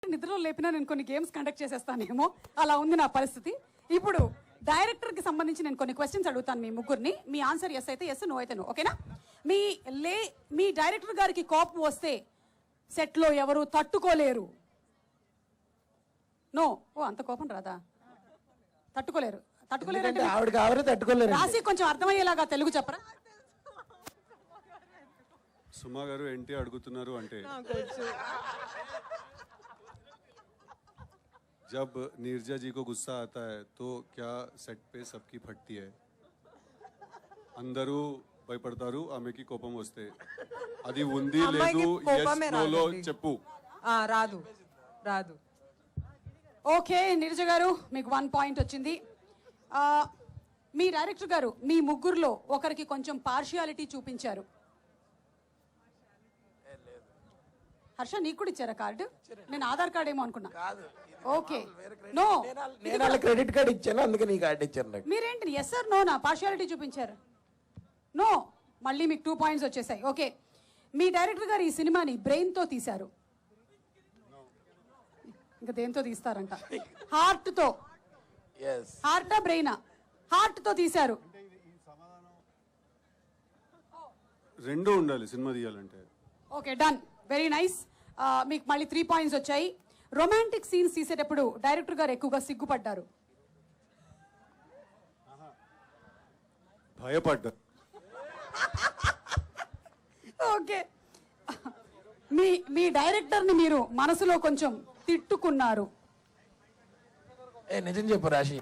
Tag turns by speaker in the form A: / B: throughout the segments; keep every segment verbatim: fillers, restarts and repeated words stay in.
A: నిద్రలో లేపినా నేను కొన్ని గేమ్స్ కండక్ట్ చేసేస్తానేమో, అలా ఉంది నా పరిస్థితి. ఇప్పుడు డైరెక్టర్ కి సంబంధించి నేను కొన్ని క్వశ్చన్స్ అడుగుతాను మీ ముగ్గురిని. మీ ఆన్సర్ ఎస్ అయితే ఎస్, నో అయితే నో. ఓకేనా? మీ లే మీ డైరెక్టర్ గారికి కోపం వస్తే సెట్ లో ఎవరు తట్టుకోలేరు? నో. ఓ, అంత కోపం రాదా? తట్టుకోలేరు. తట్టుకోలేరు
B: ఆవిడకి ఆవిడ తట్టుకోలేరు.
A: రాసి కొంచెం అర్థమయ్యేలాగా తెలుగు చెప్పరా?
C: సుమా గారు ఏంటి అడుగుతున్నారు అంటే, जब नीरजा जी को गुस्सा आता है तो क्या सेट पे सबकी फटती है? అందరూ భయపడతారు ఆమెకి కోపం వస్తే. అది ఉంది లేదు లో చెప్పు.
D: రాదు రాదు.
A: ఓకే నీరజ గారు, మీకు వన్ పాయింట్ వచ్చింది. మీ డైరెక్టర్ గారు మీ ముగ్గురులో ఒకరికి కొంచెం పార్షియాలిటీ చూపించారు. హర్ష, నీకు కూడా ఇచ్చారా కార్డు? నేను ఆధార్ కార్డ్ ఏమో అనుకున్నా. ఓకే, నో,
B: నేను క్రెడిట్ కార్డ్ ఇచ్చాను, అందుకే నీ కార్డు ఇచ్చాను నాకు.
A: మీరేంటి ఎస్ ఆర్ నో నా పార్షియాలిటీ చూపించారు? నో. మళ్ళీ మీకు టూ పాయింట్స్ వచ్చేసాయి. ఓకే, మీ డైరెక్టర్ గారు ఈ సినిమాని బ్రెయిన్ తో తీశారు. ఇంకా దేంతో తీస్తారంట? హార్ట్ తో. హార్టా బ్రెయినా? హార్ట్ తో తీశారు.
C: రెండు ఉండాలి సినిమా తీయాలంటే.
A: Okay, done. Very nice. మీకు మళ్ళీ త్రీ పాయింట్స్ వచ్చాయి. రొమాంటిక్ సీన్స్ తీసేటప్పుడు డైరెక్టర్ గారు ఎక్కువగా సిగ్గుపడ్డారు.
C: భయపడ్డా.
A: ఓకే, మీ మీ డైరెక్టర్ ని మీరు మనసులో కొంచెం తిట్టుకున్నారు.
B: ఏ నిజం చెప్పు రాశి.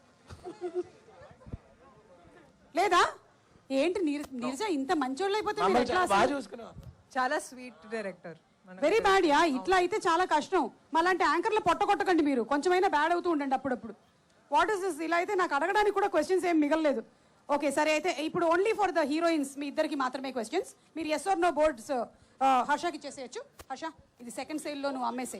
A: లేదా ఏంటి నీరజ ఇంత మంచోళ్ళు అయిపోతే?
D: చాలా sweet director.
A: Very bad yeah. ఇట్లా అయితే చాలా కష్టం. మళ్ళంటే యాంకర్లు పొట్ట కొట్టకండి మీరు, కొంచెమైనా బ్యాడ్ అవుతూ ఉండండి అప్పుడప్పుడు. What is this? ఇలా అయితే నాకు అడగడానికి కూడా క్వశ్చన్స్ ఏం మిగలలేదు. ఓకే సరే, అయితే ఇప్పుడు ఓన్లీ ఫర్ ద హీరోయిన్స్ మీ ఇద్దరికి మాత్రమే క్వశ్చన్స్. మీరు ఎస్ ఆర్ నో బోర్డ్స్ హర్షకి ఇచ్చేసేయచ్చు. హర్ష, ఇది సెకండ్ సేల్ లో నువ్వు అమ్మేసే.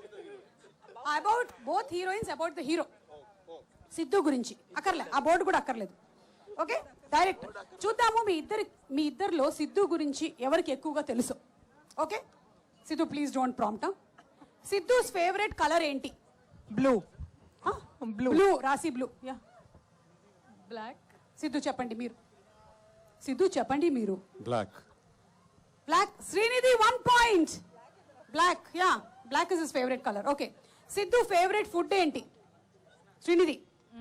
A: About both heroines, about the hero Siddhu గురించి అక్కర్లే, ఆ బోర్డు కూడా అక్కర్లేదు. ఓకే, డైరెక్ట్ చూద్దాము మీ ఇద్దరి మీ ఇద్దరిలో సిద్ధు గురించి ఎవరికి ఎక్కువగా తెలుసు. Okay Siddhu, please don't prompt. Siddhu's favourite colour ఏంటి?
D: బ్లూ.
A: బ్లూ. రాసి బ్లూ. యా.
D: బ్లాక్.
A: సిద్ధు చెప్పండి మీరు. సిద్ధు చెప్పండి మీరు.
C: Black.
A: Black. Srinidhi one point. Black. Yeah, black is his favourite colour. Okay, Siddhu favourite food ఏంటి? శ్రీనిధి.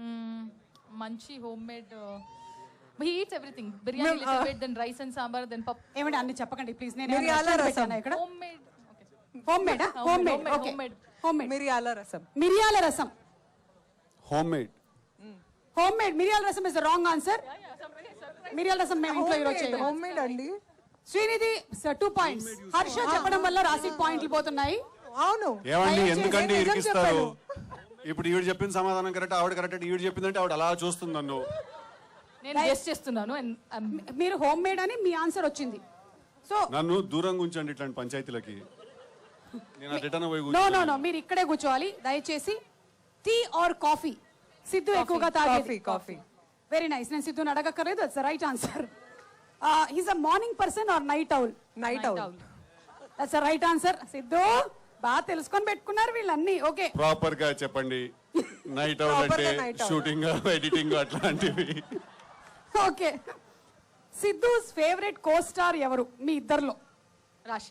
E: మంచి homemade. he eats everything. biryani uh, little bit, then rice and sambar, then pap.
A: ఏమండి అన్ని చెప్పకండి please. నేను
D: మిరియాల రసం.
A: ఇక్కడ
E: home made. okay.
A: Homemade. Homemade. Okay, homemade.
D: మిరియాల రసం.
A: మిరియాల రసం.
C: Home homemade.
A: హోమ్ మేడ్ మిరియాల రసం ఇస్ ద రాంగ్ ఆన్సర్. మిరియాల రసం మేము ఇంట్లో ఈరోజు చేయలేదు.
D: హోమ్ మేడ్ అండి.
A: Srinidhi two points. హర్ష చెప్పడం వల్ల రాశి పాయింట్లు పోతున్నాయి.
D: అవును.
C: ఏమండి ఎందుకండి ఇరికిస్తారు? ఇప్పుడు ఈవిడ చెప్పిన సమాధానం కరెక్ట్, ఆవిడ కరెక్ట్. ఈవిడ చెప్పిందంటే ఆవిడ అలా చూస్తుంది నన్ను.
E: నేను గెస్ చేస్తున్నాను.
A: మీరు హోమ్ మేడ్ అని మీ ఆన్సర్ వచ్చింది. సో
C: నన్ను దూరంగా ఉంచండి ఇట్లాంటి పంచాయతీలకి. నేను రిటర్న్ పోయి
A: నో నో నో మీరు ఇక్కడే కూర్చోవాలి దయచేసి. Tea or coffee? సిద్ధు ఎక్కువగా తాగేది
D: కాఫీ.
A: Very nice. నేను సిద్ధుని అడగక్కర్లేదు, that's right answer. He's a morning person or night owl?
D: Night owl.
A: That's right answer. Siddhu బాగా తెలుసుకొని పెట్టుకున్నారు వీళ్ళన్నీ. ఓకే,
C: ప్రాపర్ గా చెప్పండి. నైట్ ఔల్ అంటే షూటింగ్, ఎడిటింగ్ అట్లాంటివి.
A: Okay, Siddhu's favourite co star ఎవరు మీ ఇద్దర్లో?
E: రాశి.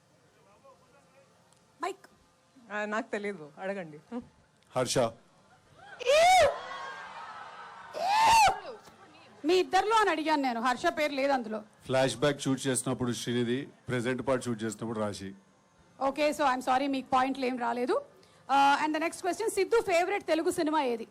A: మైక్.
D: నాకు తెలియదు, అడగండి.
C: హర్ష.
A: మీ ఇద్దర్లో అని అడిగాను నేను, హర్ష పేరు లేదు అందులో.
C: ఫ్లాష్ బ్యాక్ షూట్ చేసినప్పుడు శ్రీనిధి, ప్రెజెంట్ పార్ట్ షూట్ చేసినప్పుడు రాశి.
A: ఓకే, సో ఐఎమ్ సారీ మీకు పాయింట్లు ఏం రాలేదు. And the next question, Siddhu favourite Telugu cinema ఏది?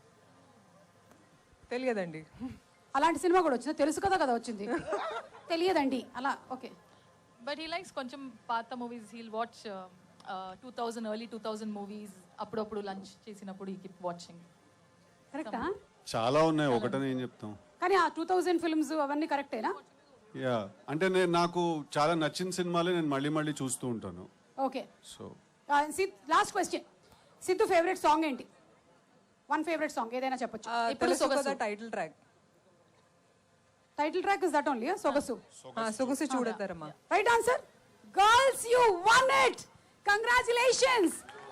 D: తెలియదండి.
A: అలాంటి సినిమా కూడా వచ్చింది? తెలుసు కదా కదా వచ్చింది. తెలియదండి అలా. ఓకే,
E: బట్ హీ లైక్స్ కొంచెం పాత movies. He'll watch two thousand early two thousand movies. అప్పుడప్పుడు లంచ్ చేసినప్పుడు ఈ కీప్ వాచింగ్.
A: కరెక్టా?
C: చాలా ఉన్నాయి, ఒకటని ఏం చెప్తాం.
A: కానీ ఆ టూ థౌజండ్ ఫిల్మ్స్ అవన్నీ కరెక్టేనా?
C: యా, అంటే నేను నాకు చాలా నచ్చిన సినిమాలే నేను మళ్ళీ మళ్ళీ చూస్తూ ఉంటాను.
A: Okay,
C: so
A: last question, Siddhu favourite song ఏంటి? వన్ ఫేవరెట్ సాంగ్ ఏదైనా చెప్పొచ్చు.
D: ఇప్పుడు Sogasu title track.
A: Title track is that only? Sogasu.
D: సొగసు చూడతారమ్మా.
A: Right answer. Girls, you won it. Congratulations.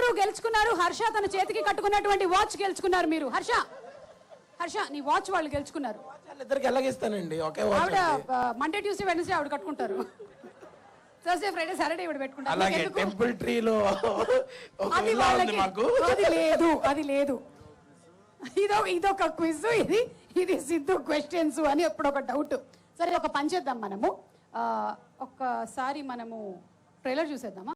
A: అందరూ గెలుచుకున్నారు. హర్ష తన చేతికి కట్టుకున్నటువంటి వాచ్ గెలుచుకున్నారు మీరు. హర్ష హర్ష నీ వాచ్ వాళ్ళు గెలుచుకున్నారు.
B: వాళ్ళిద్దరికి ఎలాగిస్తానండి ఒకే watch
A: ఆవిడ
B: అండి.
A: మండే ట్యూస్డే వెన్స్డే ఆవిడ కట్టుకుంటారు. థర్స్డే ఫ్రైడే సాటర్డే ఇవిడ పెట్టుకుంటారు.
B: అలాగే
A: నీకెందుకు?
B: టెంపుల్ ట్రీలో ఒక
A: అది
B: విల్లా ఉంది
A: వాళ్ళకి
B: మాకు.
A: అది లేదు అది లేదు. ఇదో ఇదొక క్విజ్, ఇది ఇది సిద్ధు క్వశ్చన్స్ అని ఎప్పుడు ఒక డౌట్. సరే ఒక పని చేద్దాం మనము, ఆ, ఒక్కసారి మనము ట్రైలర్ చూసేద్దామా.